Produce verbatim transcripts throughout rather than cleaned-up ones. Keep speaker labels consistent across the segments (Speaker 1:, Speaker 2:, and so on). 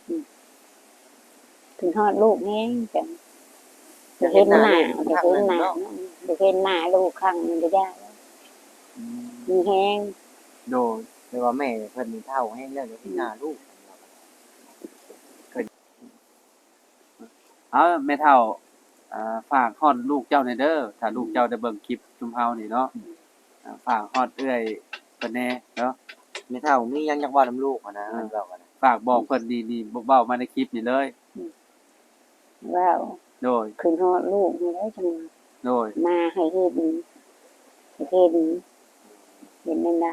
Speaker 1: ถึงฮอดลูกแฮงจังจะเห็นหน้าจะเห็นหน้าจะเห็นหน้าลูกครั้งนึงก็ได้มีแฮง
Speaker 2: โดยแต่ว่าแม่เพิ่นนี่เฒ่าแฮงแล้วเดี๋ยวสิหน้าลูกเอาแม่เฒ่าอ่าฝากฮอดลูกเจ้าหน่อยเด้อถ้าลูกเจ้าได้เบิ่งคลิปชุมเฮานี่เนาะอ่าฝากฮอดเอื้อยเพิ่นแน่เนาะแม่เฒ่ามีหยังอยากเว้านำลูกอะนะเพิ่นเว้ากันฝากบอกเพิ่นนี่ๆเว้ามาในคลิปนี่เลย
Speaker 1: ว้าว
Speaker 2: โดย
Speaker 1: ขึ้นฮอดลูกนี่ได้จัง
Speaker 2: โดย
Speaker 1: มาให้เฮ็ดให้เฮ็ดเห็นได้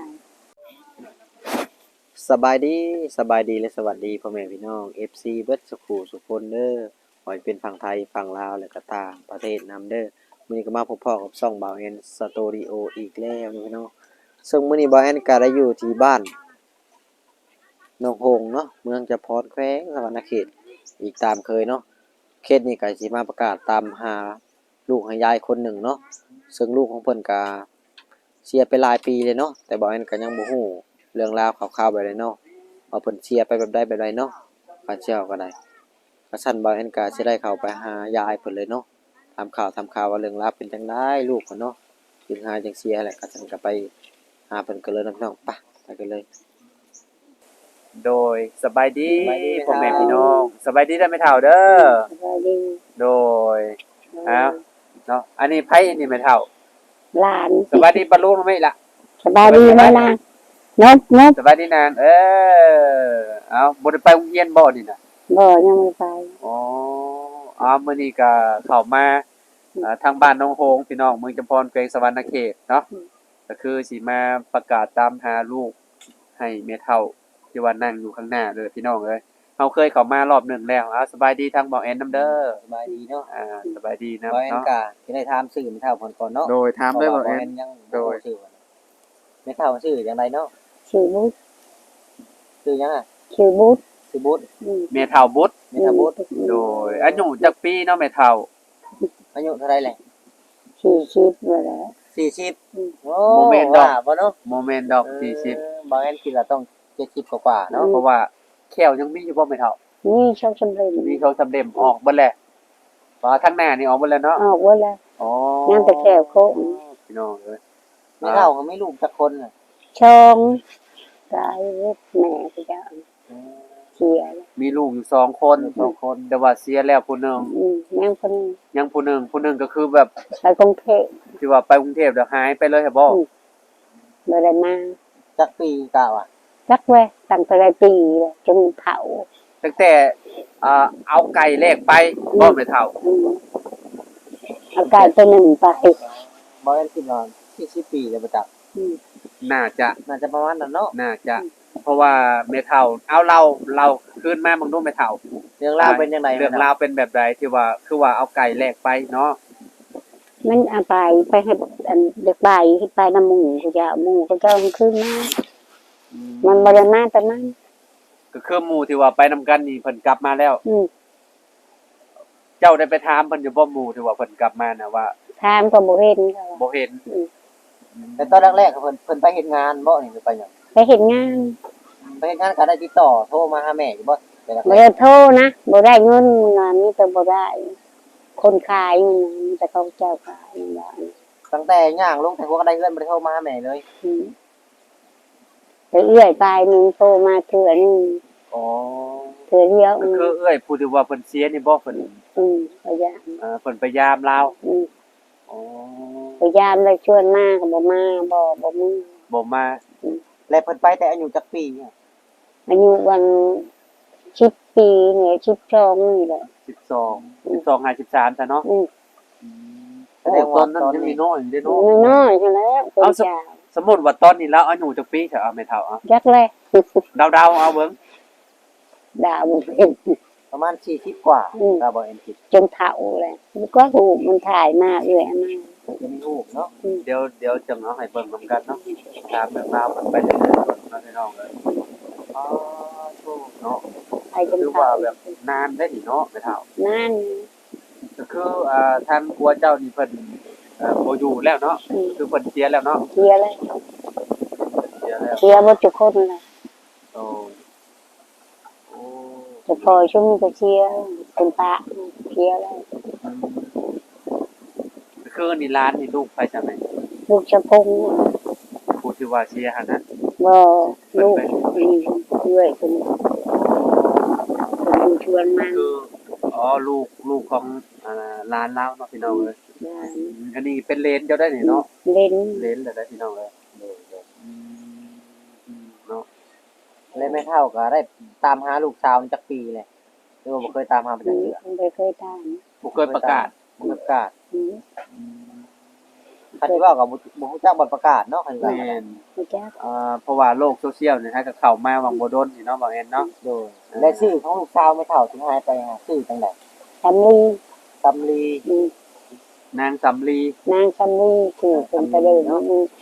Speaker 2: สบายดีสบายดีและสวัสดีพ่อแม่พี่น้อง เอฟ ซี เบิดสุขุสุคนเด้อขอให้เป็นฝั่งไทยฝั่งลาวและก็ต่างประเทศนำเด้อมื้อนี้ก็มาพบพ่อกับช่องบ่าวแอนสตูดิโออีกแล้วพี่น้องซึ่งมื้อนี้บ่าวแอนก็ได้อยู่ที่บ้านหนองหงส์เนาะเมืองจะพรแขวงสะวรรณเขตอีกตามเคยเนาะเขตนี้ก็สิมาประกาศตามหาลูกให้ยายคนหนึ่งเนาะซึ่งลูกของเพิ่นก็เสียไปหลายปีเลยเนาะแต่บ่าวแอนก็ยังบ่ฮู้เรื่องราวข่าวๆแบบใดเนาะว่าเพิ่นเสียไปแบบใดแบบใดเนาะข้าเจ้าก็ได้ก็ซั่นบ่าวแอนก็สิได้เข้าไปหายายเพิ่นเลยเนาะถามข่าวถามข่าวว่าเรื่องราวเป็นจังได๋ลูกเพิ่นเนาะถึงหาจังเสียแหละก็ซั่นก็ไปหาเพิ่นกันเลยน้องๆไปไปกันเลยโดยสบายดีพ่อแม่พี่น้องสบายดีเด้อแม่เฒ่าเด้อ
Speaker 1: สบายดี
Speaker 2: โดยอ้าวเนาะอันนี้ไผอันนี้แม่เฒ่า
Speaker 1: หลาน
Speaker 2: สบายดีปะลุงมั้ยล่ะ
Speaker 1: สบายดีมั้ยล่ะนบนบ
Speaker 2: สบายดีนางเออเอาบ่ได้ไปโรงเรียนบ่นี่น่ะ
Speaker 1: บ่ยังไม่ไป
Speaker 2: อ๋ออ๋อมื้อนี้ก็เข้ามาอ่าทางบ้านหนองโฮงพี่น้องเมืองจำพรแขวงสะวรรณเขตเนาะก็คือสิมาประกาศตามหาลูกให้แม่เฒ่าที่ว่านั่งอยู่ข้างหน้าเด้อพี่น้องเอ้ยเฮาเคยเข้ามารอบหนึ่งแล้วอ้าวสบายดีทางบ่าวแอนนำเด้อ
Speaker 3: สบายดีเนาะ
Speaker 2: อ่าสบายดีนำ
Speaker 3: บ่แม่น
Speaker 2: เนาะ
Speaker 3: ก็สิได้ถามชื่อแม่เฒ่าเพิ่นก่อนเนาะ
Speaker 2: โดยถามเลยบ่าวแอน
Speaker 3: ยังโดยชื่อแม่เฒ่าชื่อจังไดเนาะ
Speaker 1: ชื่อบุตร
Speaker 3: ชื่อหยังอ่ะ
Speaker 1: ชื่อบุตร
Speaker 3: ชื่อบุตร
Speaker 2: แม่เฒ่าบุตร
Speaker 3: แม่เฒ่าบุตร
Speaker 2: โดยอายุจักปีเนาะแม่เฒ่า
Speaker 3: อายุเท่าไรแหละ
Speaker 1: สี่สิบนั่นแหละ
Speaker 3: สี่สิบโอ้
Speaker 2: บ่แม่นดอก
Speaker 3: บ่เนาะ
Speaker 2: บ่แม่นดอกสี่สิบ
Speaker 3: บ่แม่นคิดว่าต้องเจ็ดสิบกว่าๆเนาะ
Speaker 2: เพราะว่าแควยังมีอยู่บ่แม่เฒ่า
Speaker 1: นี่ชอบสำเร็จ
Speaker 2: มีเขาสำเร็จออกเบิดแล้วว่าทางหน้านี่ออกเบิดแล้วเนาะ
Speaker 1: ออกเบิดแล้ว
Speaker 2: อ๋อ
Speaker 1: ยังแต่แก้วโคง
Speaker 2: พี่น้องเอ้ย
Speaker 3: แม่เฒ่าเขามีลูกจักคนน่ะ
Speaker 1: ชองตายเฮ็ดแม่ก็จะเสีย
Speaker 2: มีลูกอยู่สองคนสองคนแต่ว่าเสียแล้วผู้นึง
Speaker 1: อืมยังคน
Speaker 2: ยังผู้นึงผู้นึงก็คือแบบ
Speaker 1: ไปกรุงเทพ
Speaker 2: ที่ว่าไปกรุงเทพแล้วหายไปเลยครับบ่
Speaker 1: บ่ได้มา
Speaker 3: จักปีกะว่า
Speaker 1: จักแวะตั้งแต่หลายปีแล้วจนเฒ่า
Speaker 2: ตั้งแต่อ่าเอาไก่แลกไปบ่แม่เฒ่า
Speaker 1: เอาไก่ตัวหนึ่งไป
Speaker 3: บ่แม่นคิดว่าสี่สิบปีแล้วบ่จัก
Speaker 2: น่าจะ
Speaker 3: น่าจะประมาณนั้นเนาะ
Speaker 2: น่าจะเพราะว่าแม่เฒ่าเอาเราเราคืนมาเบิ่งดูแม่เฒ่า
Speaker 3: เรื่องราวเป็นจังได๋
Speaker 2: เรื่องราวเป็นแบบใดที่ว่าคือว่าเอาไก่แลกไปเนาะ
Speaker 1: มันเอาไปไปให้อันเด็กบ่ายที่ไปนำหมู่เขาจะหมู่เขาจะเอาคืนมามันบ่ได้มาแต่นั้น
Speaker 2: ก็คือหมู่ที่ว่าไปนำกันนี่เพิ่นกลับมาแล้ว
Speaker 1: อือ
Speaker 2: เจ้าได้ไปถามเพิ่นอยู่บ่หมู่ที่ว่าเพิ่นกลับมาน่ะว่า
Speaker 1: ถามก็บ่เห็นเขา
Speaker 2: บ่เห็น
Speaker 3: แต่ตอนแรกๆเพิ่นเพิ่นไปเฮ็ดงานบ่นี่หรือไปหยัง
Speaker 1: ไปเฮ็ดงาน
Speaker 3: ไปเฮ็ดงานก็ได้ติดต่อโทรมาหาแม่อยู่บ่
Speaker 1: บ่ได้โทรนะบ่ได้เงินงานมีแต่บ่ได้คนขายมันมีแต่เขาเจ้าขายอย่างนั้น
Speaker 3: ตั้งแต่ย่างลงแต่หัวก็ได้เงินบ่ได้โทรมาหาแม่เลย
Speaker 1: อือไปเอื้อยไปนึงโทรมาเทื่อนึง
Speaker 2: อ๋อ
Speaker 1: เทื่อเดียว
Speaker 2: ก็คือเอื้อยผู้ที่ว่าเพิ่นเสียนี่บ่เพิ่น
Speaker 1: อือพยายาม
Speaker 2: เอ่อเพิ่นพยายามลาว
Speaker 1: อือ
Speaker 2: อ๋อ
Speaker 1: พยายามแล้วชวนมาก็บ่มาบ่บ่มี
Speaker 2: บ่มา
Speaker 3: แล้วเพิ่นไปแต่อายุจักปีเนี่ย
Speaker 1: อายุวันสิบปีเนี่ยสิบสองนี่แหละ
Speaker 2: สิบสอง สิบสอง ห้าสิบสามซะเนาะ
Speaker 1: อือ
Speaker 2: แสดงว่าตอนนั้นยังมีน้อยเด้เนาะ
Speaker 1: น้อยๆซั่นแหละ
Speaker 2: เอาสมมุติว่าตอนนี้แล้วอายุจักปีเถอะเอาแม่เฒ่าเอา
Speaker 1: จักแล
Speaker 2: ดาวๆเอาเบิ่ง
Speaker 1: ดาวบ่เป็น
Speaker 3: ประมาณสี่สิบกว่าดาวบ่เอ็นคิด
Speaker 1: จนเฒ่าแล้วมันก็รูปมันถ่ายมาเอื้อยมา
Speaker 3: จะมีรูปเนาะ
Speaker 2: เดี๋ยวเดี๋ยวจังเอาให้เบิ่งนำกันเนาะตามแบบราวมันไปเรื่อยๆเนาะพี่น้องเอ้ยอ๋อโธ่เนาะ
Speaker 1: ไปจน
Speaker 2: คือว่าแบบนานได้นี่เนาะแม่เฒ่าน
Speaker 1: าน
Speaker 2: ก็คืออ่าทางผัวเจ้านี่เพิ่นเอ่อบ่อยู่แล้วเนาะคือเพิ่นเสียแล้วเนาะ
Speaker 1: เสียแล้ว
Speaker 2: เสียแล้ว
Speaker 1: เสียบ่ทุกคนแล้ว
Speaker 2: โอ้โอ้
Speaker 1: จะพอช่วงนี้ก็เชียร์เป็นปะเชียร์แล้ว
Speaker 2: คือนี่ร้านนี่ลูกไปจังได๋
Speaker 1: ลูกชะพง
Speaker 2: ผู้ที่ว่าเชียร์หั่นนะ
Speaker 1: บ่ลูกนี่ด้วยเป็นเป็นชวนมา
Speaker 2: คืออ๋อลูกลูกของอ่าร้านเราเนาะพี่น้องเอ้ยอันนี้เป็นเลนเจ้าได้นี่เนาะ
Speaker 1: เล่น
Speaker 2: เลนแล้วได้พี่น้องเอ้ยอืมเนาะ
Speaker 3: เลยไม่เท่าก็ได้ตามหาลูกสาวจักปีเลยหรือว่าบ่เคยตามหาไปจักเทื่อ
Speaker 1: ไปเคยตาม
Speaker 2: บ่เคยประกาศ
Speaker 3: บ่เคยประกาศ
Speaker 1: อืม
Speaker 3: คันที่ว่าก็บ่บ่ฮู้จักบ่ประกาศเนาะคันว่า
Speaker 2: แม่น
Speaker 1: รู้จัก
Speaker 2: อ่าเพราะว่าโลกโซเชียลเนี่ยฮะก็เข้ามาวังบ่ดนนี่เนาะบ่แม่นเนาะ
Speaker 3: โดยและชื่อของลูกสาวไม่เท่าที่หายไปหาชื่อจังได๋
Speaker 1: สำลี
Speaker 3: ตำลี
Speaker 1: อืม
Speaker 2: นางสำลี
Speaker 1: นางสำลีคือเป็นประเด็นอืม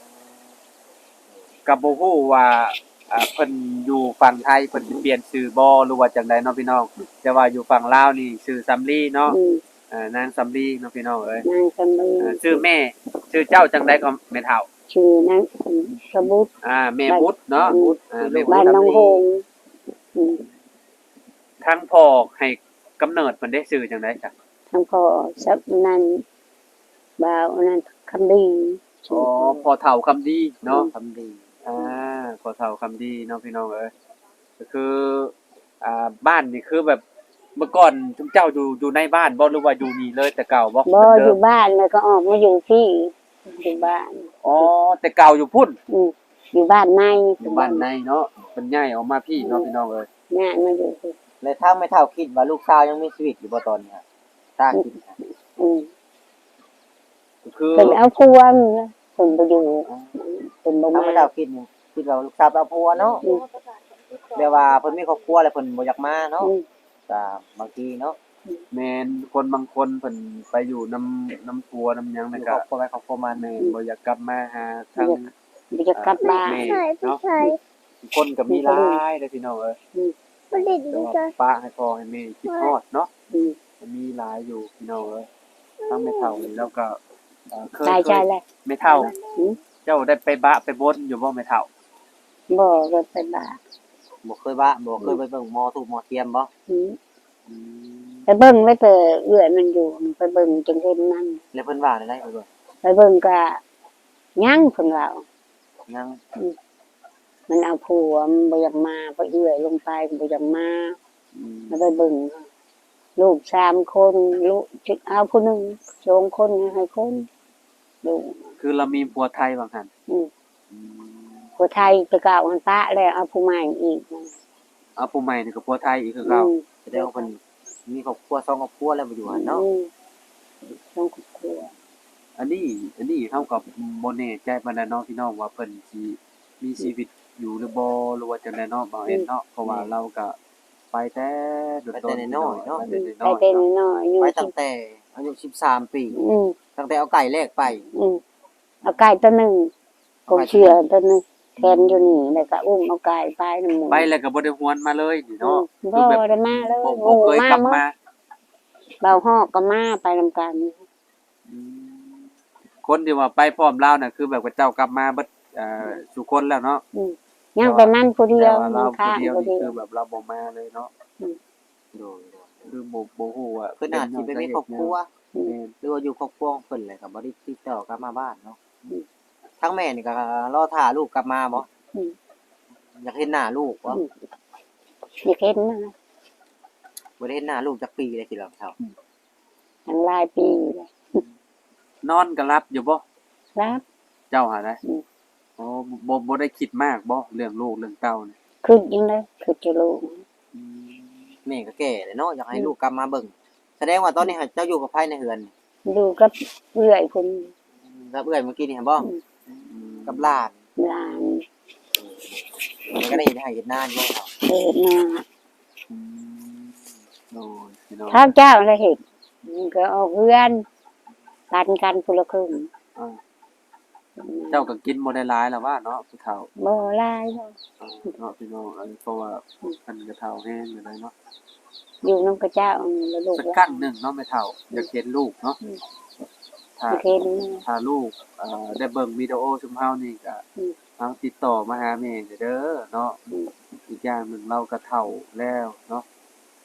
Speaker 2: ก็บ่ฮู้ว่าอ่าเพิ่นอยู่ฝั่งไทยเพิ่นสิเปลี่ยนชื่อบ่หรือว่าจังไดเนาะพี่น้องแต่ว่าอยู่ฝั่งลาวนี่ชื่อสำลีเนาะ
Speaker 1: อืม
Speaker 2: อ่านางสำลีเนาะพี่น้องเอ้ย
Speaker 1: นางสำลี
Speaker 2: อ่าชื่อแม่ชื่อเจ้าจังไดก็แม่เฒ่า
Speaker 1: ชื่อนางสมุทร
Speaker 2: อ่าแม่บุตรเนาะอ่าแม่บุ
Speaker 1: บ้า
Speaker 2: ต
Speaker 1: น
Speaker 2: ร
Speaker 1: น้องโฮงอืม
Speaker 2: ทั้งพ่อให้กำเนิดเพิ่นได้ชื่อจังไดจ้ะ
Speaker 1: ทางพ่อสับนันบ่าวนั้นคำดี
Speaker 2: อ๋อพ่อเฒ่าคำดีเนาะ
Speaker 3: ตำลี
Speaker 2: อ่าขอเท่าคำดีเน้องพี่น้องเอ้ยก็คืออ่าบ้านนี่คือแบบเมื่อก่อนทุกเจ้าอยู่อยู่ในบ้านบ่หรือว่าอยู่นี่เลยแต่เก่าบ่
Speaker 1: บ่
Speaker 2: เหมืน
Speaker 1: อ
Speaker 2: เดิ
Speaker 1: ยู่
Speaker 2: ม
Speaker 1: บ้านแล้วก็ออกมาอยู่ที่อยู่บ้าน
Speaker 2: อ๋อแต่เก่าอยู่พุ่น
Speaker 1: อืมอยู่บ้านใน
Speaker 2: อยู่บ้านในเนาะเป็นย้ายออกมาพี่เนาะพี่น้องเอ้ย
Speaker 1: งานมาอยู่ที่
Speaker 3: และถ้าไม่เท่าคิดว่าลูกสาวยังมีชีวิตอยู่บ่ตอนนี้ครับตาคิดนะ
Speaker 1: อืม
Speaker 2: ก็คือ
Speaker 1: เป็นเอาพวงนะเป็นไปอยู่เป็นบ่
Speaker 3: ถ้า
Speaker 1: มา
Speaker 3: ไม่เท่าคิดนี่คิดว่าลูกสาวไปเอาผัวเนาะ
Speaker 1: อืม
Speaker 3: แปลว่าเพิ่นมีครอบครัวแล้วเพิ่นบ่อยากมาเนาะ
Speaker 1: อืม
Speaker 3: ก็บางทีเนาะ
Speaker 2: แม่นคนบางคนเพิ่นไปอยู่น้ำน้ำปัวน้ำหยัง
Speaker 3: อ
Speaker 2: นั่น
Speaker 3: ยู่
Speaker 2: ก็
Speaker 3: ครอบครัวไปครอบครัวมา
Speaker 2: แม่
Speaker 3: แม่
Speaker 2: นบ่อยากกลับมาหาทาง
Speaker 1: บ่จะกลับบ้าน
Speaker 2: แม่เนาะคนก็มีหลายเด้อพี่น้องเอ้ยแต่ว่าป้าให้พ่อให้แม่คิดฮอดเนาะ
Speaker 1: อืม
Speaker 2: มีหลายอยู่พี่น้องเอ้ยทั้งไม่เท่านี่แล้วก็เอ่อเคย
Speaker 1: ตาย
Speaker 2: เค
Speaker 1: ใจ
Speaker 2: ย
Speaker 1: แล้ว
Speaker 2: ไม่เท่า
Speaker 1: อืม
Speaker 2: เจ้าได้ไปบะไปบนอยู่บ่ไม่เท่า
Speaker 1: บ่ก็ไปบ้าน
Speaker 3: บ่เคยบ้าบ่เคยไปเบิ่งหมอถูกหมอเทียมบ่
Speaker 1: อืม
Speaker 2: อืม
Speaker 1: ไปเบิ่งไว้แต่เอื้อยมันอยู่ไปเบิ่งจนเห็นมัน
Speaker 3: แล้วเพิ่นว่าได้ได้เบิ่ง
Speaker 1: ไปเบิ่งก็ยังเพิ่นว่า
Speaker 3: ยัง
Speaker 1: มันเอาผัวมันบ่อยากมาเพราะเอื้อยลงไปบ่อยากมา
Speaker 2: อืม
Speaker 1: แล้วไปเบิ่งลูกสามคนลูกเอาผู้หนึงสองคนให้คนลูก
Speaker 2: คือเรามีผัวไทยบางหัน
Speaker 1: อืม
Speaker 2: อืม
Speaker 1: ผู้ไทยจะกล่าวมันปะแล้วเอาผู้ใหม่อีก
Speaker 2: เอาผู้ใหม่นี่ก็ผัวไทยอีกคือเก่า
Speaker 1: อืม
Speaker 3: แสดงว่าเพิ่นมีครอบครัวสองครอบครัวแล้วบ่อยู่หั่นเนาะ
Speaker 1: อืมต้องครอบครัว
Speaker 2: อันนี้อันนี้เท่ากับบ่แน่ใจปานใดเนาะพี่น้องว่าเพิ่นสิมีชีวิตอยู่หรือบ่หรือว่าจังไดเนาะบ่เห็นเนาะเพราะว่าเราก็ไปแต่โดดๆไปแต่น้อย
Speaker 1: ไป
Speaker 2: ๆเนาะ
Speaker 1: เต้นน้อยอยู่
Speaker 3: ไป
Speaker 1: ที่
Speaker 3: ตั้งแต่อายุสิบสามปี
Speaker 1: อืม
Speaker 3: ตั้งแต่เอาไก่แรกไป
Speaker 1: อืมเอาไก่ตัวหนึงกงเชื่อตัวหนึงแทนอยู่นี่แล้วก็อุ้มเอาไก่ไปนำหมู่
Speaker 2: ไปแล้วก็บ่ได้หวนมาเลยนี่
Speaker 1: อื
Speaker 2: เนาะ
Speaker 1: มบ่ได้มาเลย
Speaker 2: บ่
Speaker 1: ห
Speaker 2: บ่
Speaker 1: มู่
Speaker 2: เคย
Speaker 1: มาก
Speaker 2: ลับ
Speaker 1: หมด
Speaker 2: มา
Speaker 1: เบาฮอกก็มาไปนำกัน
Speaker 2: อืมคนที่ว่าไปพร้อมลาวน่ะคือแบบว่าเจ้ากลับมาเบิดเอ่อสุคนแล้วเนาะ
Speaker 1: อืมยังแต่มันผู้เดีย
Speaker 2: แต่
Speaker 1: ว
Speaker 2: ว่า
Speaker 1: มั
Speaker 2: เรา
Speaker 1: น
Speaker 2: ผู้
Speaker 1: ข้าง
Speaker 2: เดียว
Speaker 1: ผู้
Speaker 2: นี่
Speaker 1: เดีย
Speaker 2: คื
Speaker 1: ว
Speaker 2: อแบบเราบ่มาเลยเนาะ
Speaker 3: โดย
Speaker 2: คือบ่บ่ฮู้ว่า
Speaker 3: เพิ่นอาจสิไปมีครอบครัว
Speaker 2: แม่น
Speaker 3: หรือว่าอยู่ครอบครัวของเพิ่นแหละก็บ่ได้ติดต่อกลับมาบ้านเนาะทั้งแม่นี่ก็รอท่าลูกกลับมาบ่
Speaker 1: อืม
Speaker 3: อยากเห็นหน้าลูกบ่
Speaker 1: อืมอยากเห็นนะ
Speaker 3: บ่ได้เห็นหน้าลูกจักปีเลยสิเราเฒ่า
Speaker 1: ทั้งหลายปีเลย
Speaker 2: นอนก็รับอยู่บ่
Speaker 1: ครับ
Speaker 2: เจ้าหาได้
Speaker 1: อืม
Speaker 2: อ๋อบ่บ่ได้คิดมากบ่เรื่องลูกเรื่องเต้านี่
Speaker 1: ขึ้นยังไงขึ้นจะรู้
Speaker 2: อืม
Speaker 3: แม่ก็แก่แล้วเนาะอยากให้ลูกกลับมาเบิ่งแสดงว่าตอนนี้เจ้าอยู่กับไผในเฮือน
Speaker 1: อยู่กับเอื้อยคน
Speaker 3: กับเอื้อยเมื่อกี้นี่เห็นบ่
Speaker 2: อืม
Speaker 3: กับหลาน
Speaker 1: หลาน
Speaker 3: มันก็ได้เห็นให้เห็นหน้าอยู่เฒ่า
Speaker 1: เกิดมา
Speaker 2: อืมโอ้ยพี่น้อง
Speaker 1: ข้าวเจ้าอะไรเห็ดมันก็ออกเพื่อนกันกันคนละครึ่ง
Speaker 2: อ่าเจ้าก็กินบ่ได้หลายแล้วว่าเนาะผู้เฒ่า
Speaker 1: บ่หลายบ่
Speaker 2: เออเนาะพี่น้องอันเพราะว่าเพิ่นก็เฒ่าแฮงอยู่เลยเนาะ
Speaker 1: อยู่น้ำกระเจ้าแล้วลูก
Speaker 2: สัก
Speaker 1: ห
Speaker 2: ค
Speaker 1: ลา
Speaker 2: รั้
Speaker 1: น
Speaker 2: งหนึงเนาะแม่เฒ่าอยากเห็นลูกเนาะถ้า
Speaker 1: เห็น
Speaker 2: ถ้าลูกเอ่อได้เบิ่งวิดีโอชุมเฮานี่ก็
Speaker 1: อืม
Speaker 2: ทางติดต่อมาหาแม่เด้อเนาะ
Speaker 1: อืม
Speaker 2: อีกอย่างหนึงเราก็เฒ่าแล้วเนาะ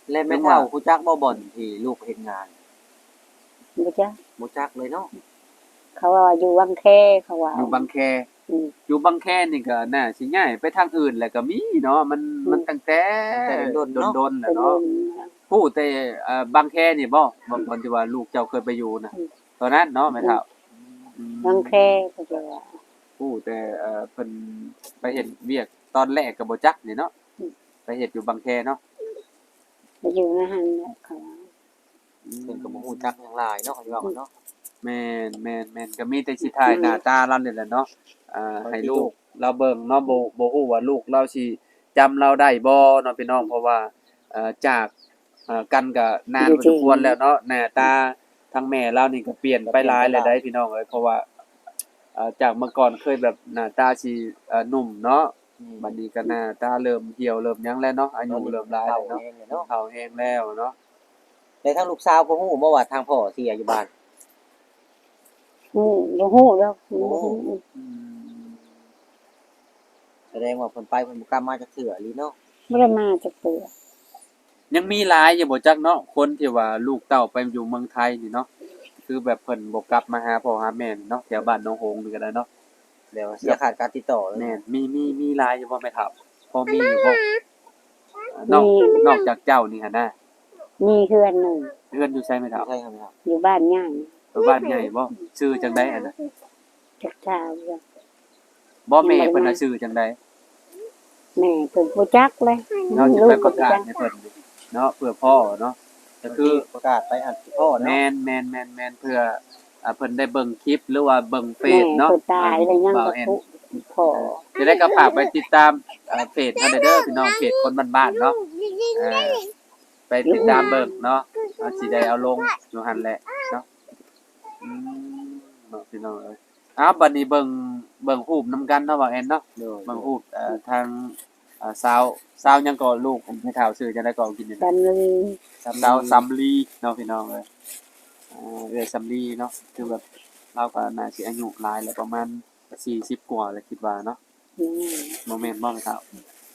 Speaker 3: และแม่เฒ่าฮู้จักบ่บ่อนที่ลูกเฮ็ดงาน
Speaker 1: บ่จ้ะ
Speaker 3: บ่จักเลยเนาะ
Speaker 1: เขาว่าอยู่วังแคเขาว่า
Speaker 4: อยู่บางแค
Speaker 1: อืม
Speaker 4: อยู่บางแคนี่ก็น่าสิย้ายไปทางอื่นแหละก็มีเนาะมันมันตั้งแต่
Speaker 3: แต่โดนๆเนาะ
Speaker 4: โดนๆแห
Speaker 1: เป็
Speaker 4: ละ
Speaker 1: น
Speaker 4: เนาะ
Speaker 1: รุ่น
Speaker 4: พูดแต่เอ่อบางแคนี่บ่บ่บ่ที่ว่าลูกเจ้าเคยไปอยู่น่ะ
Speaker 1: อืม
Speaker 4: ตอนนั้นเนาะแม่เฒ่าอืม
Speaker 1: วังแคเขาจะว่า
Speaker 4: พูดแต่เอ่อเพิ่นไปเฮ็ดเวียกตอนแรกก็บ่จักนี่เนาะ
Speaker 1: อืม
Speaker 4: ไปเฮ็ดอยู่บางแคเนาะ
Speaker 1: ไปอยู่ในหันเนี่ยเขาว่า
Speaker 3: เพิ่นก็บ่ฮู้จักหยังหลายเนาะเขาสิว่ากันเนาะ
Speaker 4: แม่นแม่นแม่นก็มีแต่สิถ่ายหน้าตาเรานี่แหละเนาะอ่าให้ลูกเราเบิ่งเนาะบ่บ่ฮู้ว่าลูกเราสิจำเราได้บ่เนาะพี่น้องเพราะว่าเอ่อจากเอ่อกันก็นานพอสมควรแล้วเนาะหน้าตาทางแม่เรานี่ก็เปลี่ยนไปหลายแล้วได้พี่น้องเอ้ยเพราะว่าเอ่อจากเมื่อก่อนเคยแบบหน้าตาสิเอ่อหนุ่มเนาะบัดนี้ก็หน้าตาเริ่มเหี่ยวเริ่มหยังแล้วเนาะอายุเริ่มหลายแล้วเนาะ
Speaker 3: เนาะ
Speaker 4: เฒ่าแฮงแล้วเนาะ
Speaker 3: แต่ทางลูกสาวบ่ฮู้บ่ว่าทางพ่อเสียอยู่บ้าน
Speaker 1: อืมบ่ฮู้แล้ว
Speaker 3: โอ้
Speaker 4: อืม
Speaker 3: แสดงว่าเพิ่นไปเพิ่นบ่กลับมาจักเทื่ออีหลีเนาะ
Speaker 1: บ่ได้มาจักเทื่อ
Speaker 4: ยังมีหลายอยู่บ่จักเนาะคนที่ว่าลูกเต้าไปอยู่เมืองไทยนี่เนาะคือแบบเพิ่นบ่กลับมาหาพ่อหาแม่นี่เนาะแถวบ้านหนองโฮงนี่ก็ได้เนาะ
Speaker 3: แล้วเสียขาดการติดต่อเลย
Speaker 4: แม่นมีมีมีหลายอยู่บ่แม่ครับพอมีอยู่บ่นอกนอกจากเจ้านี่หั่นน่ะ
Speaker 1: มีเพื่อนหนึง
Speaker 4: เพื่อนอยู่ไสแม่ครับ
Speaker 3: ใช่ครับครับ
Speaker 1: อยู่บ้านย่าง
Speaker 4: อยู่บ้านใหญ่บ่ชื่อจังได๋อันน่ะ
Speaker 1: จักเจ้าจ้ะ
Speaker 4: บ่แม่เพิ่นน่ะชื่อจังได๋
Speaker 1: แม่เพิ่นบ่จักเลย
Speaker 4: เนาะสิ
Speaker 1: ลู
Speaker 4: ไป
Speaker 1: ก
Speaker 4: ป
Speaker 1: ก็
Speaker 4: ระ
Speaker 1: บ่
Speaker 4: กาศ
Speaker 1: จัก
Speaker 4: ให้เพิ่นเนาะเพื่อพ่อเนาะก็คือ
Speaker 3: ประกาศไปอัดที่พ่อเนาะ
Speaker 4: แม่นแม่นแม่นแม่นเพื่ออ่าเพิ่นได้เบิ่งคลิปหรือว่าเบิ่งเฟ
Speaker 1: แม่
Speaker 4: ซเนาะ
Speaker 1: เพิ่นตายแล้วยัง
Speaker 4: บ่า
Speaker 1: ก็
Speaker 4: แอน
Speaker 1: ทุกพ่อ
Speaker 4: จะได้ก็ฝากไปติดตามเอ่อเพจเฮาเด้อพี่น้องเพจคนบ้านๆเนาะเออไปติดตามเบิ่งเนาะเอาสิได้เอาลงอยู่หั่นแหละเนาะอืมเนาะพี่น้องเอ้ยอ้าวบัดนี้เบิ่งเบิ่งรูปนำกันเนาะว่าแอนเนาะ
Speaker 3: โดย
Speaker 4: เบิ่งรูปเอ่อทางอ่าสาวสาวหยังก็ลูกผมให้ข่าวชื่อจังได๋ก็กินนี่
Speaker 1: กันเลย
Speaker 4: สาวสำลีเนาะพี่น้องเอ้ยอ่าเอ้ยสำลีเนาะคือแบบเราก็น่าสิอายุหลายแล้วประมาณสี่สิบกว่าแล้วคิดว่าเนาะ
Speaker 1: อืม
Speaker 4: บ่แม่นบ่แม่นครับ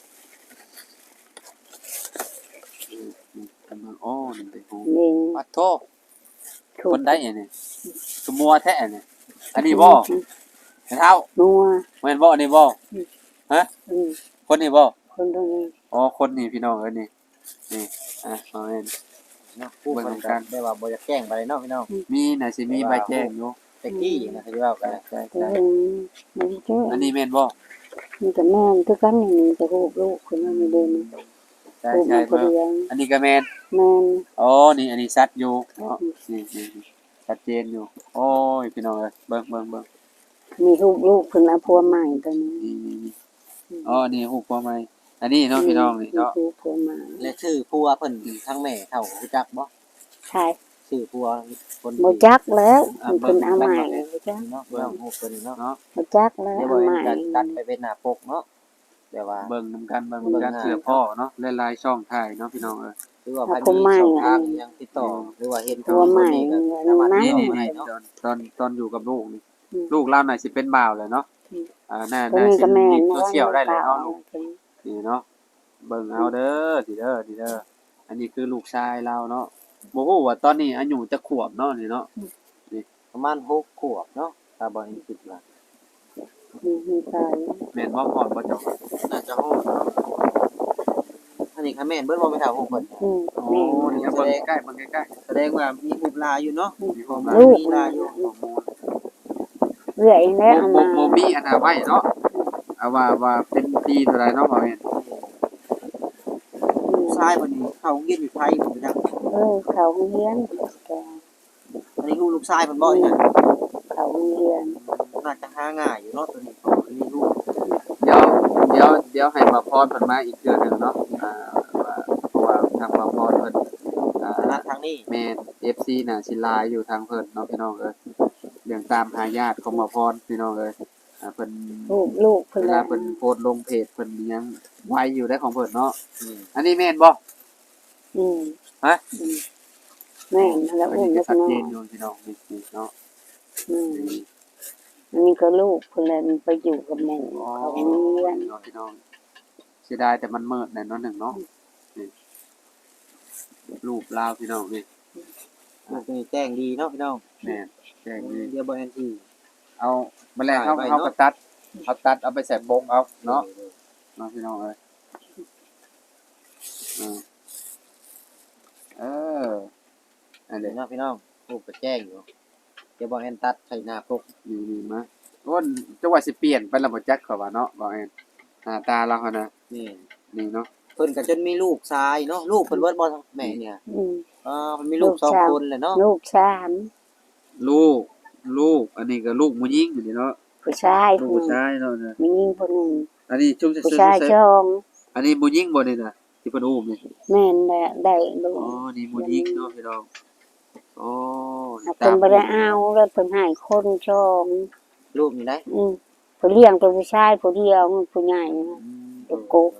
Speaker 4: อืมอืมกำลังอ้อนี่เป็นฮู้
Speaker 1: นี่
Speaker 4: ปัดโท
Speaker 1: ถู
Speaker 4: ค
Speaker 1: ก
Speaker 4: นได้อันนี้สมัวแท้อันนี้อันนี้บ่แม่เฒ่า
Speaker 1: นัว
Speaker 4: แม่นบ่อันนี้บ่ฮะ
Speaker 1: อืม
Speaker 4: คนนี้บ่
Speaker 1: คนตรงนี้
Speaker 4: อ๋อคนนี้พี่น้องเอ้ยนี่นี่อ่ะเอาแม่น
Speaker 3: เนาะผู้เพิ่นก็ได้ว่าบ่อยากแกล้งไปเนาะพี่น้อง
Speaker 4: มีน่ะสิมีใบแจ้งอยู่
Speaker 3: แต่กี้นะเขาสิว่ากัน
Speaker 4: ใช่
Speaker 1: อื
Speaker 4: ๆ
Speaker 1: มมันเจ้า
Speaker 4: อันนี้แม่นบ่
Speaker 1: มันก็แม่นคือกันอย่างนี้จะรูปลูกคนนั้นไม่เดิน
Speaker 4: ใช่
Speaker 1: รูป
Speaker 4: ใช่
Speaker 1: มันก็
Speaker 4: เบิ่ง
Speaker 1: เรียง
Speaker 4: อันนี้ก็แม่น
Speaker 1: แม่น
Speaker 4: อ๋อนี่อันนี้ชัดอยู่เนาะนี่นี่ชัดเจนอยู่โอ้ยพี่น้องเอ้ยเบิ่งเบิ่งเบิ่ง
Speaker 1: มีรูปลูกคนละพัวใหม่ตัวนี้
Speaker 4: นี่นี่นี่อ๋อนี่ฮู้บ่ไหมอันนี้เนาะพี่น้องนี่เนาะ
Speaker 1: รูปพัวใหม่
Speaker 3: และชื่อผัวเพิ่นทั้งแม่เฒ่ารู้จักบ่
Speaker 1: ใช่
Speaker 3: ชื่อผัวคน
Speaker 1: โมจักแล้วมันเป็นเอาใหม่จ้ะ
Speaker 3: เนาะเบิ่งฮู้เพิ่นเนาะ
Speaker 4: เนาะ
Speaker 1: โมจักแล้ว
Speaker 3: เดี๋ยว
Speaker 1: เอา
Speaker 3: บ่
Speaker 1: ใหม่
Speaker 3: เห็นกันตัดไปเป็นหน้าปกเนาะแต่ว่า
Speaker 4: เบิ่งนำกันเบิ่งนำกันเสื้อพ่อเนาะหลายๆช่องถ่ายเนาะพี่น้องเอ้ย
Speaker 3: หรือว่าใครมีช่องทางยังติดต่อหรือว่าเห็น
Speaker 1: พัวใหม่
Speaker 3: ก็
Speaker 1: นั่
Speaker 3: สามารถ
Speaker 1: น
Speaker 4: นี่
Speaker 3: ติด
Speaker 4: นี่
Speaker 3: ต่อ
Speaker 4: นี่
Speaker 3: ได้เนาะ
Speaker 4: ตอนตอนตอนอยู่กับลูกนี่
Speaker 1: อืม
Speaker 4: ลูกเราน่ะสิเป็นบ่าวแหละเนาะ
Speaker 1: อืม
Speaker 4: อ่าน่า
Speaker 1: ตัว
Speaker 4: น่า
Speaker 1: นี้
Speaker 4: สิ
Speaker 1: ก็แม่
Speaker 4: มี
Speaker 1: น
Speaker 4: โซเชียลได้เลยเนาะลูก
Speaker 1: ตัว
Speaker 4: นี่เนาะเบิ่งเอาเด้อสิเด้อสิเด้ออันนี้คือลูกชายเราเนาะบ่ฮู้ว่าตอนนี้อายุจักขวบเนาะนี่เนาะ
Speaker 3: ประมาณหกขวบเนาะถ้าบ่เห็นคิดว่า
Speaker 1: มีมีตาย
Speaker 4: แม่นบ่พอดบ่เจ้า
Speaker 3: น่าจะฮอดเนาะอันนี้ค่ะแม่นเบิ่งบ่ไปถามฮู้เพิ่น
Speaker 1: อืม
Speaker 4: โอ้
Speaker 1: แม่น
Speaker 4: นี่เอาเบิ่งใกล้ๆเบิ่งใกล้
Speaker 3: แสดงว่ามีรูปลายอยู่เนาะ
Speaker 4: ๆมีความ
Speaker 3: มา
Speaker 4: รู้
Speaker 1: ลูก
Speaker 3: มีลายอยู่
Speaker 1: เรื่อยแล้วเอา
Speaker 4: โม
Speaker 1: มา
Speaker 4: โมมีอันน่ะไว้เนาะเอาว่าว่าเป็นปีเท่าไหร่เนาะบ่แม่น
Speaker 3: ผู้ชายคนนี้เข้าโรงเรียนอยู่ไทยผมไปจัก
Speaker 1: เออเขาเฮียนแก
Speaker 3: อันนี้ลูกลูกชายเพิ่นบ่เนี่ย
Speaker 1: เขาเฮียน
Speaker 3: น่าจะหาง่ายอยู่เนาะตัวนี้อันนี้ลูก
Speaker 4: เดี๋ยวเดี๋ยวเดี๋ยวให้มาพรเพิ่นมาอีกเทื่อหนึงเนาะอ่าว่าเพราะว่าทางมาพรเพิ่นอ่า
Speaker 3: คณะทางนี้
Speaker 4: แม่น เอฟ ซี น่ะสิหลายอยู่ทางเพิ่นเนาะพี่น้องเอ้ยเรื่องตามหาญาติของมาพรพี่น้องเอ้ยอ่าเพิ่น
Speaker 1: ลูกลูกเพิ่น
Speaker 4: เวลา
Speaker 1: ละ
Speaker 4: เพิ่นโพสต์ลงเพจเพิ่นยังไว้อยู่ได้ของเพิ่นเนาะ
Speaker 3: อืม
Speaker 4: อันนี้แม่นบ่
Speaker 1: อืม
Speaker 4: ฮะ
Speaker 1: อืมแม่นแล้ว
Speaker 4: อัน
Speaker 1: อุ้ม
Speaker 4: นี้ก็
Speaker 1: แล้ว
Speaker 4: ชัด
Speaker 1: เนาะ
Speaker 4: เจนอยู่พี่น้องนี่นี่เนาะ
Speaker 1: อืมอันนี้ก็ลูกเพิ่นละมันไปอยู่กับหมู่เขาเฮียน
Speaker 4: พี่น้องพี่น้องเสียดายแต่มันมืดแน่นอนหนึ่งเนาะนี่รูปลาวพี่น้องนี่
Speaker 3: ลูกนี่แจ้งดีเนาะพี่น้อง
Speaker 4: แม่นแจ้งนี่
Speaker 3: เดี๋ยวบ่แอนที่
Speaker 4: เอาแมลงเขา
Speaker 3: ถ่ายไว้
Speaker 4: เขา
Speaker 3: เนาะ
Speaker 4: ก็ตัดเอาตัดเอาไปใส่โบกเอาเนาะเนาะพี่น้องเอ้ยอ่าเอออัน
Speaker 3: เดี๋
Speaker 4: เดี๋
Speaker 3: ย
Speaker 4: ยว ว
Speaker 3: เนาะพี่น้องลูกก็แจ้งอยู่เดี๋ยวบ่แอนตัดใส่หน้าปก
Speaker 4: นี่นี่มาโอ้นจังหวะสิเปลี่ยนไปแล้วบ่จักเขาว่าเนาะบ่แอนหน้าตาเราหั่นน่ะ
Speaker 3: นี่
Speaker 4: นี่เนาะ
Speaker 3: เพิ่นก็จนมีลูกชายเนาะลูกเพิ่นเบิดบ่แม่เนี่ย
Speaker 1: อืม
Speaker 3: อ่าเพิ่นมีลูกสองคนแหละเนาะ
Speaker 1: ลูกสาม
Speaker 4: ลูกลูกอันนี้ก็ลูกผู้หญิงอยู่นี่เนาะ
Speaker 1: ผู้ชาย
Speaker 4: ลูก
Speaker 1: ผู้
Speaker 4: ผู้ชายเนาะเนี่ย
Speaker 1: มีหญิงผู้หนึ่ง
Speaker 4: อันนี้ชุ่ม
Speaker 1: ผู้
Speaker 4: ซื่อ
Speaker 1: ชาย
Speaker 4: ๆ
Speaker 1: ชอง
Speaker 4: อันนี้ผู้หญิงบ่นี่น่ะที่เพิ่นอุ้มนี่
Speaker 1: แม่นได้ได้ลูก
Speaker 4: อ๋อนี่ผู้หญิงเนาะพี่น้องอ๋อ
Speaker 1: เอาเพิ่นบ่ได้เอาแล้วเพิ่นให้คนชอง
Speaker 3: ลูกนี่ได้
Speaker 1: อืมผู้เลี้ยงเป็นผู้ชายผู้เดียวผู้ใหญ่นะตัวโกก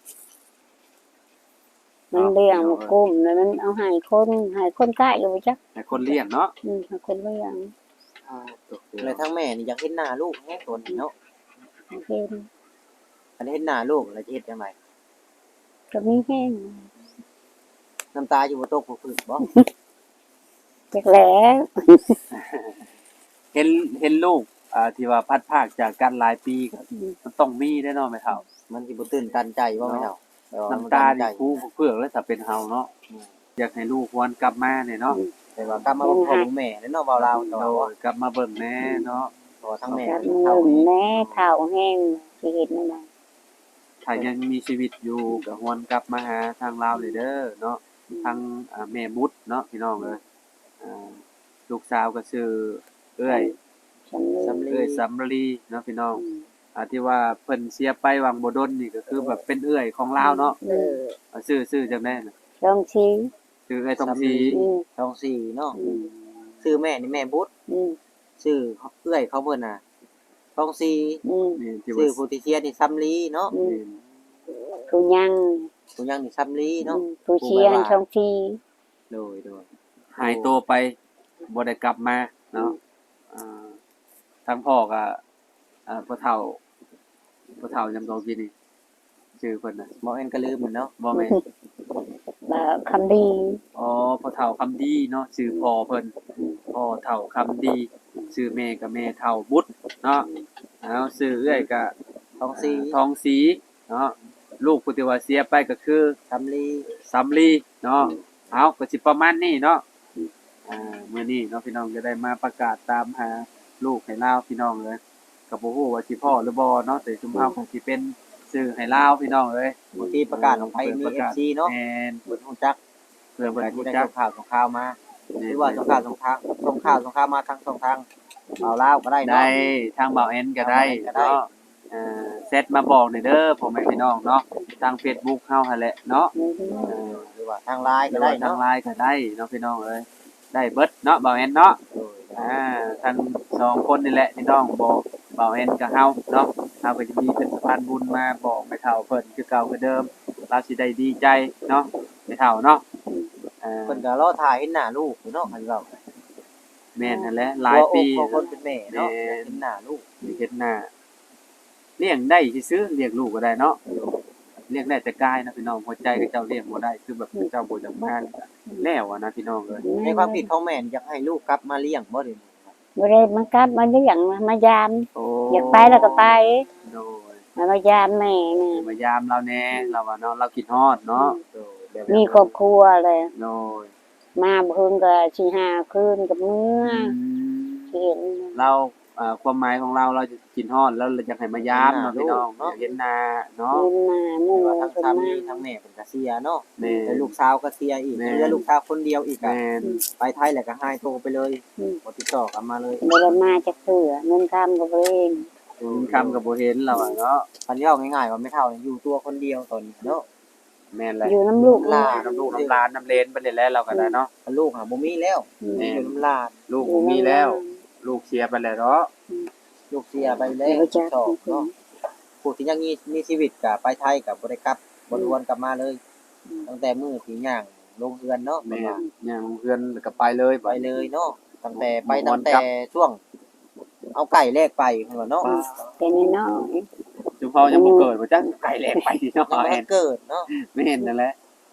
Speaker 1: มันเลี้ยงมันกุ้มแล้วมันเอาให้คนให้คนใกล้อยู่บ่จัก
Speaker 4: ให้คนเลี้ยงเนาะ
Speaker 1: อืมให้คนเลี้ยง
Speaker 4: อ่าตก
Speaker 3: เลยทั้งแม่นี่อยากเห็นหน้าลูกแฮะตัวนี้เนาะ
Speaker 1: ให้เป็น
Speaker 3: อันนี้เห็นหน้าลูกแล้วจะเฮ็ดจังได
Speaker 1: ก็มีแห้ง
Speaker 3: น้ำตาอยู่บ่ตกบ่พึ่งบ่
Speaker 1: จักแหล้ว
Speaker 4: เห็นเห็นลูกอ่าที่ว่าพัดภาคจากกันหลายปีก็มันต้องมีแน่นอนแม่เฒ่า
Speaker 3: มันสิบ่ตื่นตันใจบ่แม่เฒ่าแต่ว่ามั
Speaker 4: น้ำตา
Speaker 3: ใจ
Speaker 4: นี่คู่เพื่อกแล้วถ้าเป็นเฮาเนาะอยากให้ลูกหวนกลับมาเนี่ยเนาะ
Speaker 3: แต่ว่ากลับมาบ่พ่อบ่แม่แล้วเนาะเว้าลาวแต่
Speaker 4: โด
Speaker 3: ว่าย
Speaker 4: กลับมาเบิ่งแน่เนาะ
Speaker 3: พอทั้งแม่
Speaker 1: จัก
Speaker 3: ทั้ง
Speaker 1: มื
Speaker 3: เฒ่า
Speaker 1: อแน่เฒ่าแห้งสิเฮ็ดนั่นน่ะ
Speaker 4: ถ้ายังมีชีวิตอยู่ก็หวนกลับมาหาทางลาวเลยเด้อเนาะทางอ่าแม่บุตรเนาะพี่น้องเอ้ยอ่าลูกสาวก็ชื่อเอ้ย
Speaker 1: สำลี
Speaker 4: เอ้ยสำลีเนาะพี่น้องอ่าที่ว่าเพิ่นเสียไปวังบ่ดนนี่ก็คือแบบเป็นเอื้อยของลาวเนาะ
Speaker 1: เออ
Speaker 4: อ่าชื่อชื่อจังได๋น่ะ
Speaker 1: ลองชี้
Speaker 4: ชื่อเอ้ยทองศรี
Speaker 1: อืม
Speaker 3: ท้องสี่เนาะ
Speaker 1: อืม
Speaker 3: ชื่อแม่นี่แม่บุตร
Speaker 1: อืม
Speaker 3: ชื่อเอื้อยเขาเพิ่นน่ะท้องสี่
Speaker 1: อืม
Speaker 4: นี่ที่
Speaker 3: ชื่
Speaker 4: ว่า
Speaker 3: อผู้ที่เชียร์นี่ซัมลีเนาะ
Speaker 1: อืม
Speaker 4: นี่
Speaker 1: ผู้ยัง
Speaker 3: ผู้ยังนี่ซัมลี
Speaker 1: อื
Speaker 3: เนาะ
Speaker 1: มผู้เชียร์ช่องชี้
Speaker 3: โดยโดย
Speaker 4: หายตัวไปบ่ได้กลับมาเนาะอ่าทางพ่อก็อ่าพ่อเฒ่าพ่อเฒ่าจำตัวพี่นี่ชื่อเพิ่นน่ะ
Speaker 3: บ่แม่นก็ลืมเหมือนเนาะ
Speaker 4: บ่แม่น
Speaker 1: บ่คำดี
Speaker 4: อ๋อพ่อเฒ่าคำดีเนาะชื่อพ่อเพิ่นพ่อเฒ่าคำดีชื่อแม่ก็แม่เฒ่าบุตรเนาะเอาชื่อเอื้อยก็
Speaker 3: ท้องสี่
Speaker 4: ทองศรีเนาะลูกผู้ที่ว่าเสียไปก็คือ
Speaker 3: ซัมลี
Speaker 4: สำลีเนาะเอาก็สิประมาณนี้เนาะอ่ามื้อนี้เนาะพี่น้องจะได้มาประกาศตามหาลูกให้ลาวพี่น้องเลยก็บ่ฮู้ว่าสิพ่อหรือบ่เนาะแต่ชุมเฮาคงสิเป็นชื่อให้ลาวพี่น้องเอ้ย
Speaker 3: บางทีประกาศลงไปมี
Speaker 4: ประ
Speaker 3: เอก
Speaker 4: าศ
Speaker 3: ฟซีเนาะ
Speaker 4: แม่น
Speaker 3: เพิ่นฮู้จัก
Speaker 4: เพื่อเพิ่น
Speaker 3: แต่
Speaker 4: รู้
Speaker 3: ที่ได้
Speaker 4: จัก
Speaker 3: ข่าวสงข่าวมาหรือว่าสงข่าวสงทางสงข่าวสงข่าวมาทางสองทางเอาลาวก็ได้เนาะ
Speaker 4: ได้ทางเบาแอนก็ได้
Speaker 3: ก็ได้
Speaker 4: เนาะอ่าเซตมาบอกหน่อยเด้อพ่อแม่พี่น้องเนาะทาง Facebook เฮาหั่นแหละเนาะ
Speaker 3: เออหรือว่าทางไลน์
Speaker 4: ห
Speaker 3: ก็
Speaker 4: รือ
Speaker 3: ได้
Speaker 4: ว่าทาง
Speaker 3: เนาะ
Speaker 4: ไลน์ก็ได้เนาะพี่น้องเอ้ยได้เบิดเนาะเบาแอนเนาะ
Speaker 3: โดย
Speaker 4: อ่าทั้งสองคนนี่แหละพี่น้องบอกเบาแอนกับเฮาเนาะเฮาก็จะมีเป็นสะพานบุญมาบอกแม่เฒ่าเพิ่นคือเก่าคือเดิมเราสิได้ดีใจเนาะแม่เฒ่าเนาะอ่า
Speaker 3: เพิ่นก็รอถ่ายเห็นหน้าลูกอยู่เนาะอันเว้า
Speaker 4: แม่นนั่นแหละหลายปี
Speaker 3: หัวอกของคนเป็นแม่เนาะ
Speaker 4: แม่
Speaker 3: เห็นหน้าลูก
Speaker 4: มีเฮ็ดหน้าเลี้ยงได้ซื่อๆเลี้ยงลูกก็ได้เนาะเลี้ยงได้แต่กายนะพี่น้องหัวใจก็เจ้าเลี้ยงบ่ได้คือแบบเจ้าบ่จักมาแล้วอะนะพี่น้องเอ้ย
Speaker 3: ในความคิดของแม่นี่อยากให้ลูกกลับมาเลี้ยงบ่เดี๋ยวนี้
Speaker 1: บ่ได้มากลับมาเลี้ยงมามายาม
Speaker 4: โอ้
Speaker 1: อยากไปแล้วก็ไป
Speaker 4: โดย
Speaker 1: มามายามแม่นี่
Speaker 4: มายามเราแน่เราว่าเนาะเราคิดฮอดเนาะ
Speaker 3: โดยแบบ
Speaker 1: มีครอบครัวเลย
Speaker 4: โดย
Speaker 1: มาเพิ่นก็สิหาคืนกับเมื่อ
Speaker 4: อืม
Speaker 1: สิเห็น
Speaker 4: เราอ่าความหมายของเราเราจะกินฮอดแล้วเราอยากให้มายามเนาะพี่น้องอยากเห็นหน้าเนาะ
Speaker 1: เงินมาหมู่
Speaker 3: แต่ว่าทั้ง
Speaker 1: เพิ่น
Speaker 3: สา
Speaker 1: มา
Speaker 3: มีทั้งแม่เพิ่นก็เสียเนาะ
Speaker 4: แม่
Speaker 3: แล้วลูกสาวก็เสียอีก
Speaker 4: แม่
Speaker 3: เหลือลูกสาวคนเดียวอีกอะ
Speaker 4: แม่น
Speaker 3: ไปไทยแล้วก็หายตัวไปเลยบ่ติดต่อกลับมาเลย
Speaker 1: บ่ได้มาจักเทื่อเงินคำก็บ่เอง
Speaker 4: คำก็บ่เห็นเราอะเนาะ
Speaker 3: อันนี้เอาง่ายๆว่าไม่เท่าเนี่ยอยู่ตัวคนเดียวตอนนี้เนาะ
Speaker 4: แม่นแหละ
Speaker 1: อยู่น้ำลูก
Speaker 3: หลา
Speaker 4: น้ำลูกน้ำหลานน้ำเลนไปเลยแล้วเราก็ได้เนาะ
Speaker 3: ลูกหาบ่มีแล้ว
Speaker 4: แม่
Speaker 3: อยู่น้ำลาด
Speaker 4: ลูกบ่มีแล้ว ลูกเสียไปแล้วเนาะ
Speaker 3: ลูกเสียไปแล้
Speaker 1: เดี๋ยว วจะ
Speaker 3: สองเนาะผู้ที่ยังมีมีชีวิตก็ไปไทยก็บ่ได้กลับบ่ดวนกลับมาเลย ตั้งแต่มื้อที่ย่างลงเรือนเนาะ
Speaker 4: แม่
Speaker 3: เพิ่นว่า
Speaker 4: ย่างเพื่อนแล้วก็ไปเลย
Speaker 3: ไปเลยเนาะตั้งแต่ไป
Speaker 4: บ่ม่
Speaker 3: ตั้
Speaker 4: วน
Speaker 3: ง
Speaker 4: ก
Speaker 3: แต่
Speaker 4: ลับ
Speaker 3: ช่วง เอาไก่แลกไปเพิ่นว่าเนาะ
Speaker 1: เป็นน้อย
Speaker 4: จุมพอยังบ่เกิดบ่จักไก่แหลกไปเนาะ
Speaker 3: ยังบ่
Speaker 4: แม่
Speaker 3: ทั
Speaker 4: น
Speaker 3: นเกิดเนาะ
Speaker 4: ไม่เห็นนั่นแหละ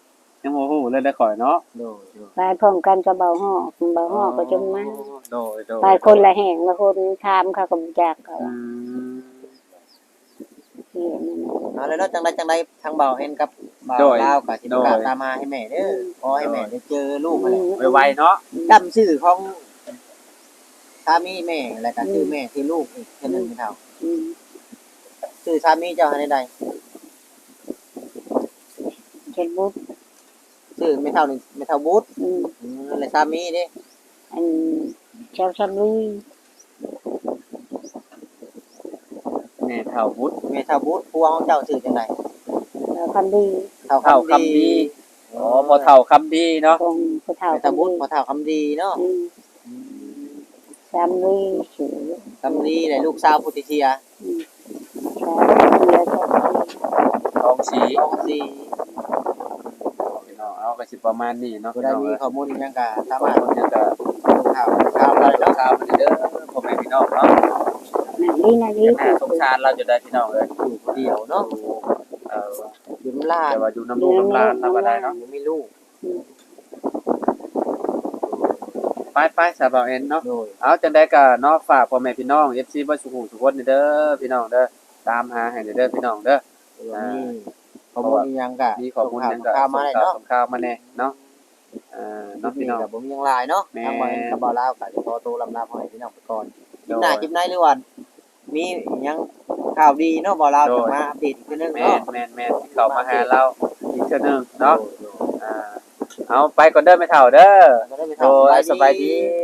Speaker 4: ยังบ่ฮู้เลยได้ข่อยเนาะ
Speaker 3: โดยโดย
Speaker 1: ไปพร้อมกันกับเบาฮอกเบาฮอกก็จนมา
Speaker 4: โดยโดย
Speaker 1: ไปคนละแห่งละคนถามเขาก็บ่จักเขา
Speaker 4: อื
Speaker 1: ว่าม เห็นนั่นน่ะ
Speaker 3: เอาแล้วเนาะจังไดจังไดทางเบาเอ็นกับเบาลาวก็สิประกาศตามมาให้แม่เด้อขอให้แม่ได้เจอลูกนั่นแหละ
Speaker 4: ไวๆเนาะ
Speaker 3: จำชื่อของสามีแม่แล้วก็ชื่อแม่ที่ลูกอีกเทื่อหนึงไม่เท่า
Speaker 1: อืม
Speaker 3: ชื่อสามีเจ้าให้ใด
Speaker 1: เฮ็ดบุญ
Speaker 3: ชื่อไม่เท่านี่ไม่เท่าบูธ
Speaker 1: อืม
Speaker 3: อืมแล้วสามีเด้
Speaker 1: อันชาวชำลี
Speaker 4: แม่เฒ่าบุตร
Speaker 3: แม่เท่าบูธผัวของเจ้าชื่อจังได
Speaker 1: แล้วคำดี
Speaker 3: เท่า
Speaker 4: เฒ่า
Speaker 3: คำ
Speaker 4: คำ
Speaker 3: ดี
Speaker 4: ดีอ๋อบ่เฒ่าคำดีเนาะ
Speaker 1: คงผู้เฒ่า
Speaker 3: แม่เท่าบูธ
Speaker 1: คำ
Speaker 3: พอเท่าคำดีเนาะ
Speaker 1: อืมชำลีชื่อ
Speaker 3: คำดีเลยลูกสาวพุทธิเชีย
Speaker 1: อืมชาวเชียร์ชาว
Speaker 4: ทองสี
Speaker 3: ทองสี
Speaker 4: เนาะเอาก็สิประมาณนี้เนาะ
Speaker 3: ผู้
Speaker 4: พี่
Speaker 3: ใด
Speaker 4: น้อง
Speaker 3: มี
Speaker 4: เอ้ย
Speaker 3: ข้อมูลอิหยังก็สา
Speaker 4: บาม
Speaker 3: าง รถ
Speaker 4: คนเนี่ยก็
Speaker 3: ข่าวข่าวอะไร
Speaker 4: เนาะ
Speaker 3: เนาะ
Speaker 4: ข่าวมันเด้อพ่อแม่พี่น้องเนาะ
Speaker 1: นั่นนี่นั่นนี่
Speaker 4: แม่สงสารเราจะได้พี่น้องเอ้ย
Speaker 3: อยู่คนเดียวเนาะ
Speaker 4: เออ
Speaker 3: อยู่น้ำลาด
Speaker 4: แต่ว่าอยู่น้ำลูกน้ำลานธรรมดาเนาะ
Speaker 3: ยังไม่ลูก
Speaker 4: ไปไปสาวเอ็นเนาะ
Speaker 3: โดย
Speaker 4: เอาจังได้ก็เนาะฝากพ่อแม่พี่น้อง เอฟ ซี บ่สุขุสุขคนนี่เด้อพี่น้องเด้อตามหาให้เด้อพี่น้องเด้อ
Speaker 3: นี่ข้อมูลอิหยังก็
Speaker 4: มีข้อมูลหยังก็
Speaker 3: ข่าวมาได้เนาะ
Speaker 4: ส่งข่าวมาแน่เนาะเอ่อ
Speaker 3: น้อ
Speaker 4: เนาะ
Speaker 3: ง
Speaker 4: พี่
Speaker 3: พี่
Speaker 4: น้
Speaker 3: น้
Speaker 4: อ
Speaker 3: อง งผมยังลายเนาะ
Speaker 4: แม่
Speaker 3: ทางวันกับบ่าวลาวก็จะขอตัวลำลาพ่อให้พี่น้องไปก่อนคลิปห
Speaker 4: โด
Speaker 3: น้าย คลิปไหนหรือว่ามีอิหยังข่าวดีเนาะบ่าวลาว
Speaker 4: โดย
Speaker 3: จะมาอัปเดตอีกทีนึง
Speaker 4: แม่
Speaker 3: เนาะ
Speaker 4: นแม่นแม่นที่เข้ามาหาเราอีกเทื่อหนึงเนาะ
Speaker 3: โดย
Speaker 4: อ่าเอาไปก่อนเด้อแม่เฒ่าเด้อ
Speaker 3: โดยก็ได้ไป
Speaker 4: โดยสบายดี